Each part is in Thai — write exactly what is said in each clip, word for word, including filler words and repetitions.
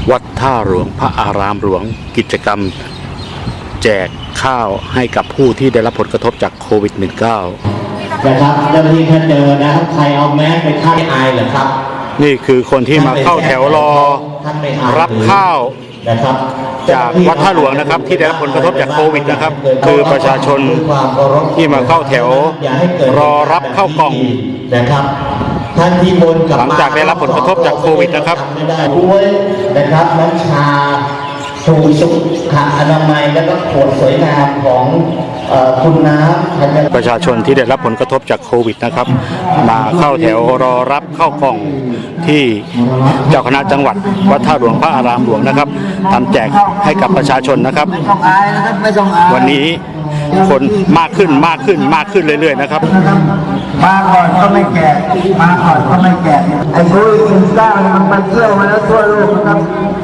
วัดท่าหลวงพระอารามหลวงกิจกรรมแจกข้าวให้กับผู้ที่ได้รับผลกระทบจากโควิด สิบเก้านะครับเจ้าหน้าที่ถ้าเจอนะครับใครเอาแมสไปฆ่าอายเหรอครับนี่คือคนที่มาเข้าแถวรอรับข้าวจากวัดท่าหลวงนะครับที่ได้รับผลกระทบจากโควิดนะครับคือประชาชนที่มาเข้าแถวรอรับข้าวกล่องนะครับท่านที่บนกับหลังจากได้รับผลกระทบจากโควิดนะครับด้วยนะครับน้ำชาสูสุขอนามัยและก็ขวดสวยงามของคุณน้ำประชาชนที่ได้รับผลกระทบจากโควิดนะครับมาเข้าแถวรอรับข้าวกล่องที่เจ้าคณะจังหวัดวัดท่าหลวงพระอารามหลวงนะครับทำแจกให้กับประชาชนนะครับวันนี้คนมากขึ้นมากขึ้นมากขึ้นเรื่อยๆนะครับมาก่อนก็ไม่แก่มาก่อนก็ไม่แก่ไอ้โควิดสิบเก้ามันไปเที่ยวมาแล้วทั่วโลกนะครับ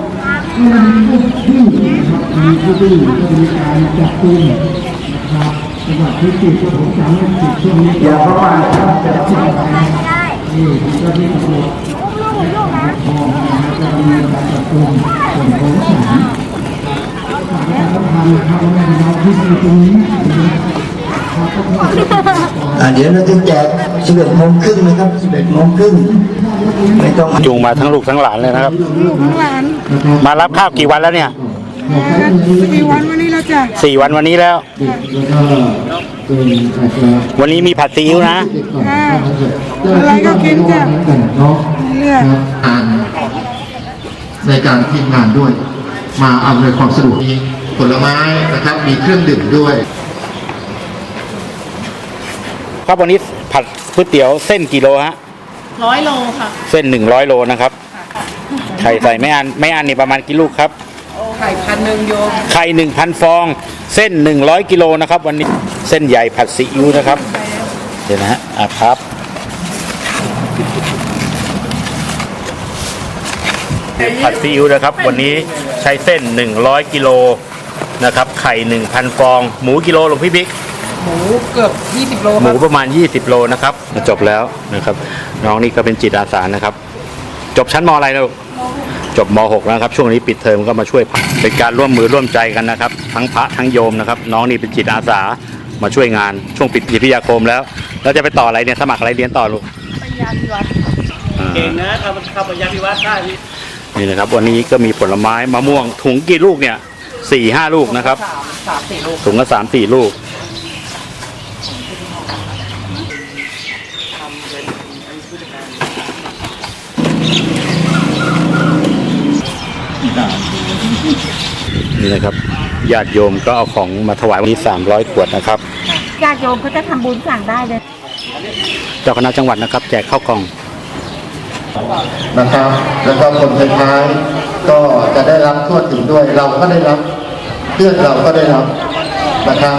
มีผู้ที่มีการจับกุมนะครับจังหวัดที่ติดก็ผมจำไม่ผิดช่วงนี้อย่าประมาทครับจะจับนี่เจ้าที่ตำรวจพอนะครับจะมีการจับกุมส่วนของศาลศาลการทำทำงานเราที่ตรงนี้เดี๋ยวเราจะแจกสิบเอ็ดโมงครึ่งนะครับสิบเอ็ดโมงครึ่งไม่ต้องจูงมาทั้งลูกทั้งหลานเลยนะครับลูกทั้งหลานมารับข้าวกี่วันแล้วเนี่ยสี่วันวันนี้แล้วจ้ะสี่วันวันนี้แล้ววันนี้มีผัดซีอิ๊วนะอะไรก็กินจ้ะเลือกในการทีมงานด้วยมาอำนวยความสะดวกมีผลไม้นะครับมีเครื่องดื่มด้วยครับวันนี้ผัดก๋วยเตี๋ยวเส้นกี่โลฮะร้อยโลค่ะเส้นหนึ่งร้อยโลนะครับไข่ใส่ไม่อันไม่อันนี่ประมาณกี่ลูกครับไข่พันหนึ่งโยไข่หนึ่งพันฟองเส้นหนึ่งร้อยกิโลนะครับวันนี้เส้นใหญ่ผัดซีอิ๊วนะครับเดี๋ยวนะฮะอ่ะครับผัดซีอิ๊วนะครับวันนี้ใช้เส้นหนึ่งร้อยกิโลนะครับไข่หนึ่งพันฟองหมูกิโลหลวงพี่บิ๊กหมูเกือบยี่สิบโลหมูประมาณยี่สิบโลนะครับจบแล้วนะครับน้องนี่ก็เป็นจิตอาสานะครับจบชั้นม.อะไรแล้วจบม.หกนะครับช่วงนี้ปิดเทอมก็มาช่วยเป็นการร่วมมือร่วมใจกันนะครับทั้งพระทั้งโยมนะครับน้องนี่เป็นจิตอาสามาช่วยงานช่วงปิดพิทยาคมแล้วแล้วจะไปต่ออะไรเนี่ยสมัครอะไรเรียนต่อลูกปริญญาพิวัตรเก่งนะทำทำปริญญาพิวัตรได้นี่นะครับวันนี้ก็มีผลไม้มะม่วงถุงกี่ลูกเนี่ยสี่ห้าลูกนะครับถุงละสามสี่ลูกนี่นะครับญาติโยมก็เอาของมาถวายวันนี้สามร้อยขวดนะครับญาติโยมเขาจะทำบุญสั่งได้เลยเจ้าคณะจังหวัดนะครับแจกข้าวกล่องนะครับแล้วก็คนท้ายๆก็จะได้รับทั่วถึงด้วยเราก็ได้รับเพื่อนเราก็ได้รับนะครับ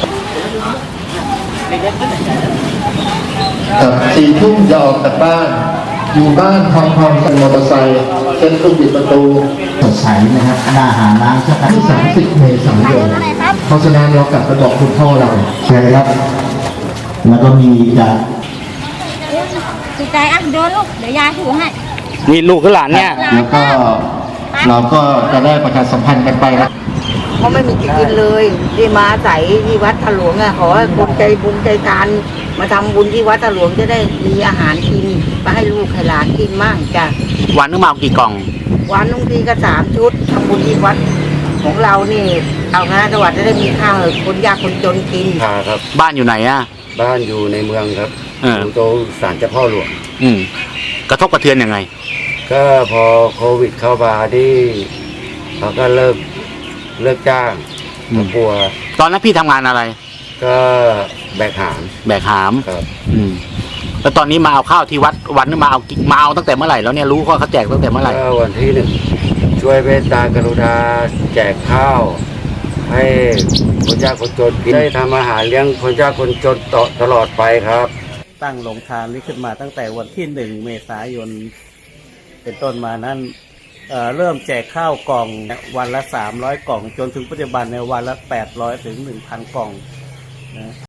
กับสี่ทุ่มจะออกจากบ้านอยู่บ้านพร้อมๆกันมอเตอร์ไซค์เส้นตุ้มปิดประตูสดใสนะครับหน้าหาน้ำชักที่สามสิบเมษายนเพราะฉะนั้นเรากลับไปบอกคุณพ่อเราใช่ครับแล้วก็มีจะสุดใจอ่ะเดินลูกเดี๋ยวยายถือให้นี่ลูกกับหลานเนี่ยแล้วก็เราก็จะได้ประชาสัมพันธ์กันไปนะเขาไม่มีจะกินเลยที่มาใส่ที่วัดท่าหลวงอ่ะขอให้คนใจบุญใจทานมาทำบุญที่วัดท่าหลวงจะได้มีอาหารกินมาให้ลูกให้หลานกินมั่งจ้ะวันนึงมาเอากี่กล่องวันนึงทีก็สามชุดทำบุญที่วัดของเรานี่เอาคณะจังหวัดจะได้มีข้าวคนยากคนจนกินครับบ้านอยู่ไหนอ่ะบ้านอยู่ในเมืองครับอยู่ตรงศาลเจ้าพ่อหลวงอืมกระทบกระเทือนยังไงก็พอโควิดเข้ามาที่เขาก็เลิกเลิกจ้างกลัวตอนนั้นพี่ทำงานอะไรก็แบกหามแบกหามครับอืมแล้วตอนนี้มาเอาข้าวที่วัดวันนี้มาเอามาเอาตั้งแต่เมื่อไหร่แล้วเนี่ยรู้ว่าเขาแจกตั้งแต่เมื่อไหร่ก็วันที่หนึ่งช่วยเมตตากรุณาแจกข้าวให้คนยากคนจนกินได้ทำอาหารเลี้ยงคนยากคนจนต่อตลอดไปครับตั้งโรงทานนี้ขึ้นมาตั้งแต่วันที่หนึ่งเมษายนเป็นต้นมานั้นเอ่อเริ่มแจกข้าวกล่องวันละสามร้อยกล่องจนถึงปัจจุบันในวันละแปดร้อยถึงหนึ่งพันกล่องนะ